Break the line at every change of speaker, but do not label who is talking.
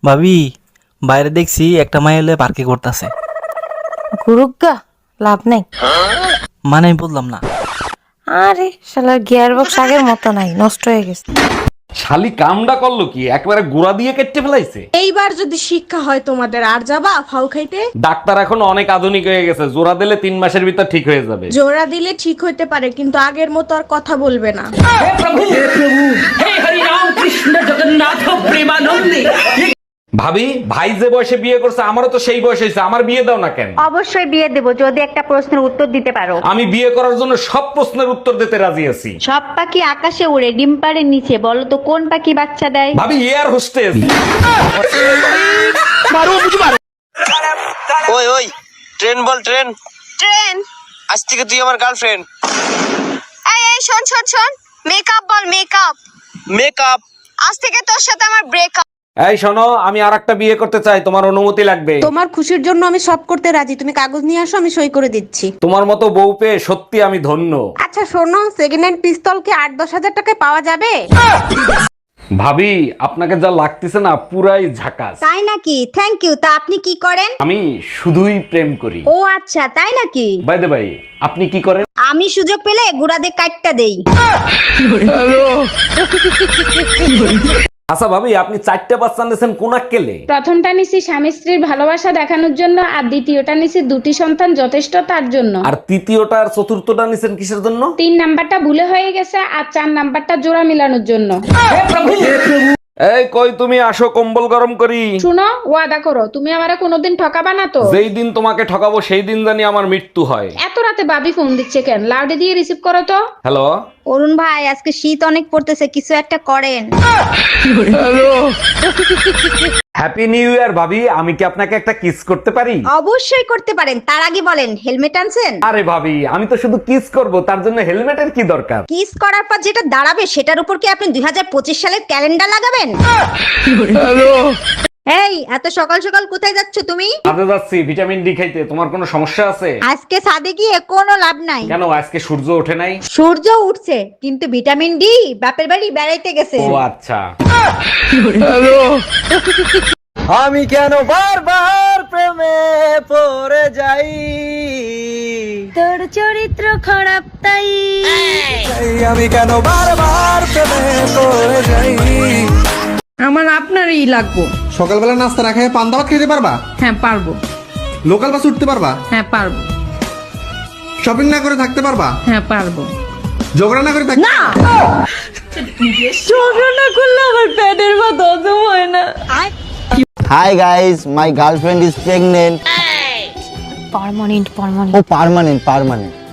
ভাবি, বাইরে দেখছি একটা মাই এলে পার্কে করতেছে।
গুরুগা লাভ নাই।
মানে আমি বললাম না।
আরে শালার গিয়ার বক্স আগের মতো নাই, নষ্ট হয়ে গেছে।
শালি কামডা করলো কি, একবারে গুড়া দিয়ে কেটে ফেলাইছে।
এইবার যদি শিক্ষা হয় তোমাদের, আর যাবা ফাউ খাইতে?
ডাক্তার এখন অনেক আধুনিক হয়ে গেছে, জোড়া দিলে 3 মাসের ভিতর ঠিক হয়ে যাবে।
জোড়া দিলে ঠিক হইতে পারে, কিন্তু আগের মতো আর কথা বলবে না।
ভাবি, ভাই যে বয়সে বিয়ে করছে আমারও তো সেই বয়স হয়েছে, আমার বিয়ে দাও না কেন?
অবশ্যই বিয়ে দেব যদি একটা প্রশ্নের উত্তর দিতে পারো।
আমি বিয়ে করার জন্য সব প্রশ্নের উত্তর দিতে রাজি আছি।
সব পাখি আকাশে উড়ে, ডিম পাড়ে নিচে, বলো তো কোন পাখি বাচ্চা দেয়?
ভাবি, এয়ার হোস্টেস।
ওই ওই ট্রেন বল, ট্রেন
ট্রেন।
আজ থেকে তুই আমার গার্লফ্রেন্ড।
এই এই শোন শোন শোন, মেকআপ বল, মেকআপ।
মেকআপ।
আজ থেকে তোর সাথে আমার ব্রেকআপ।
এই শোনো, আমি আরেকটা বিয়ে করতে চাই, তোমার অনুমতি লাগবে।
তোমার খুশির জন্য আমি সব করতে রাজি, তুমি কাগজ নিয়ে আসো, আমি সই করে দিচ্ছি।
তোমার মতো বউ পেয়ে সত্যি আমি ধন্য।
আচ্ছা শোনো, সেকেন্ড হ্যান্ড পিস্তল কি 8-10 হাজার টাকায় পাওয়া যাবে?
ভাবি, আপনাকে যা লাগতেছে না পুরাই ঝাকাস।
তাই নাকি? Thank you. তা আপনি কি করেন?
আমি শুধুই প্রেম করি।
ও আচ্ছা, তাই নাকি?
বাই দ্য বাই, আপনি কি করেন?
আমি সুযোগ পেলে গুড়াদের কাটটা দেই।
আচ্ছা ভাবি, আপনি 4টা বাচ্চা নিয়েছেন কোন আক্কেলে?
প্রথমটা নিছি স্বামী স্ত্রীর ভালোবাসা দেখানোর জন্য, আর দ্বিতীয়টা নিছি দুটি সন্তান যথেষ্ট তার জন্য।
আর তৃতীয়টা আর চতুর্থটা নিছেন কিসের জন্য?
3 নাম্বারটা ভুলে হয়ে গেছে, আর 4 নাম্বারটা জোড়া মিলানোর জন্য।
এই কই তুমি, আসো কম্বল গরম করি।
শুনো, ওয়াদা করো তুমি আমারে কোনোদিন ঠকাবা না তো?
যেই দিন তোমাকে ঠকাবো সেই দিন জানি আমার মৃত্যু হয়।
এত রাতে বাবি ফোন দিচ্ছে কেন? লাউডে দিয়ে রিসিভ করো তো।
হ্যালো।
অরুণ ভাই, আজকে শীত অনেক পড়তেছে, কিছু একটা করেন।
হ্যাপি নিউ ইয়ার ভাবি, আমি কি আপনাকে একটা কিস করতে পারি?
অবশ্যই করতে পারেন, তার আগে বলেন হেলমেট আনছেন?
আরে ভাবি, আমি তো শুধু কিস করব, তার জন্য হেলমেটের কি দরকার?
কিস করার পর যেটা দাঁড়াবে সেটার উপর কি আপনি 2025 সালের ক্যালেন্ডার লাগাবেন? এই এত সকাল সকাল কোথায় যাচ্ছ তুমি?
কাজে যাচ্ছি ভিটামিন ডি খাইতে। তোমার কোনো সমস্যা আছে?
আজকে ছাদে গিয়ে কোনো লাভ নাই।
কেন, আজকে সূর্য ওঠে নাই?
সূর্য উঠছে, কিন্তু ভিটামিন ডি বাপের বাড়ি বেড়াইতে গেছে।
ও আচ্ছা।
আমি কেন বারবার প্রেমে পড়ে যাই,
তোর চরিত্র খারাপ তাই।
আমি কেন বারবার প্রেমে পড়ে যাই।
আমার আপনারই লাগবো।
সকালবেলা নাস্তা না খেয়ে পান্তা ভাত খেতে পারবা?
হ্যাঁ পারবো।
লোকাল বাস উঠতে পারবা?
হ্যাঁ পারবো।
শপিং না করে থাকতে পারবা?
হ্যাঁ পারবো।
ঝগড়া না করে থাকতে?
ঝগড়া না করলে আমার পেটের ভাত হজম হয় না।
Hi guys, my girlfriend is pregnant.
Permanent
Oh, permanent.